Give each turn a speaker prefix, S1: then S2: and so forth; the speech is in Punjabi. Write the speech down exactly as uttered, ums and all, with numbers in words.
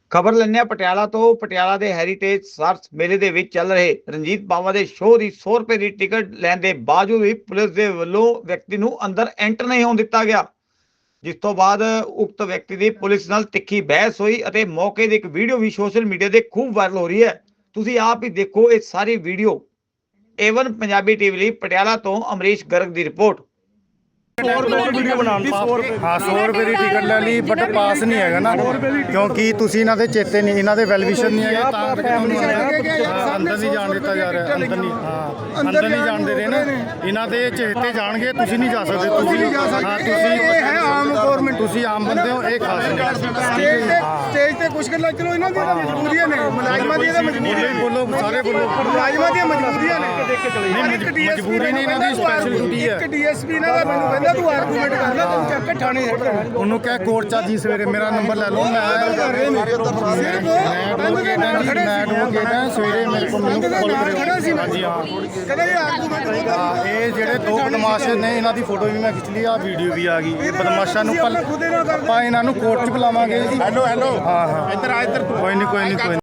S1: ਖਬਰ ਲੈਣੇ ਪਟਿਆਲਾ ਤੋਂ। ਪਟਿਆਲਾ ਦੇ ਹੈਰੀਟੇਜ ਸਰਸ ਮੇਲੇ ਦੇ ਵਿੱਚ ਚੱਲ ਰਹੇ ਰਣਜੀਤ ਬਾਵਾ ਦੇ ਸ਼ੋਅ ਦੀ ਸੌ ਰੁਪਏ ਦੀ ਟਿਕਟ ਲੈਣ ਦੇ ਬਾਵਜੂਦ ਵੀ ਪੁਲਿਸ ਦੇ ਵੱਲੋਂ ਵਿਅਕਤੀ ਨੂੰ ਅੰਦਰ ਐਂਟਰ ਨਹੀਂ ਹੋਣ ਦਿੱਤਾ ਗਿਆ, ਜਿਸ ਤੋਂ ਬਾਅਦ ਉਕਤ ਵਿਅਕਤੀ ਦੀ ਪੁਲਿਸ ਨਾਲ ਤਿੱਖੀ ਬਹਿਸ ਹੋਈ ਅਤੇ ਮੌਕੇ ਦੀ ਇੱਕ ਵੀਡੀਓ ਵੀ ਸੋਸ਼ਲ ਮੀਡੀਆ ਤੇ ਖੂਬ ਵਾਇਰਲ ਹੋ ਰਹੀ ਹੈ। ਤੁਸੀਂ ਆਪ ਹੀ ਦੇਖੋ ਇਹ ਸਾਰੀ ਵੀਡੀਓ। ਏਵਨ ਪੰਜਾਬੀ ਟੀਵੀ ਲਈ ਪਟਿਆਲਾ ਤੋਂ ਅਮਰੀਸ਼ ਗਰਗ ਦੀ ਰਿਪੋर्ट।
S2: हाँ सौ रुपए की टिकट ले ली बट पास नहीं है ना, क्योंकि तुसी इन्हां दे चेते नहीं, इन्हां दे वेलविशन नहीं है, अंदर नहीं जान दिता जा रहा, अंदर नहीं, हाँ अंदर नहीं जान दे रहे ना, इन्हां दे चेते जाणगे, तुसी नहीं जा सकते, तुसी हाँ तुसी है आम गवर्नमेंट, तुसी आम बंदे हो, एक खास नहीं
S3: स्टेज ते कुछ गल्लां चलो इन्हां दी मजबूरियां ने, मुलाजमां दी मजबूरी
S2: बोलो सारे बोलो,
S3: मुलाजमां दी मजबूरियां ने,
S2: मजबूरी नहीं इन्हां दी स्पेशल ड्यूटी है।
S3: एक डीएसपी इन्हां दा मैनूं कहंदा तू आर्गूमेंट कर ले, तैनूं चक के ठाणे छੱਡ देਣਾ।
S2: ਉਹਨੂੰ ਕਹਿ ਕੋਰਟ ਚ ਜੀ ਸਵੇਰੇ ਮੇਰਾ ਨੰਬਰ ਲੈ ਲਓ, ਮੈਂ ਐਡਵੋਕੇਟ ਸਵੇਰੇ ਮੇਰੇ ਕੋਲ ਮੈਨੂੰ ਕਾਲ ਕਰਿਓ। ਹਾਂਜੀ ਹਾਂ
S3: ਕਹਿੰਦਾ ਇਹ ਆਰਗੂਮੈਂਟ
S2: ਹਾਂ, ਇਹ ਜਿਹੜੇ ਦੋ ਬਦਮਾਸ਼ ਨੇ ਇਹਨਾਂ ਦੀ ਫੋਟੋ ਵੀ ਮੈਂ ਖਿੱਚ ਲਈ, ਆ ਵੀਡੀਓ ਵੀ ਆ ਗਈ। ਬਦਮਾਸ਼ਾਂ ਨੂੰ ਆਪਾਂ ਇਹਨਾਂ ਨੂੰ ਕੋਰਟ ਚ ਬੁਲਾਵਾਂਗੇ। ਹੈਲੋ ਹੈਲੋ ਹਾਂ ਹਾਂ ਇੱਧਰ ਆ ਇੱਧਰ ਕੋਈ ਨਹੀਂ ਕੋਈ ਨਹੀਂ ਕੋਈ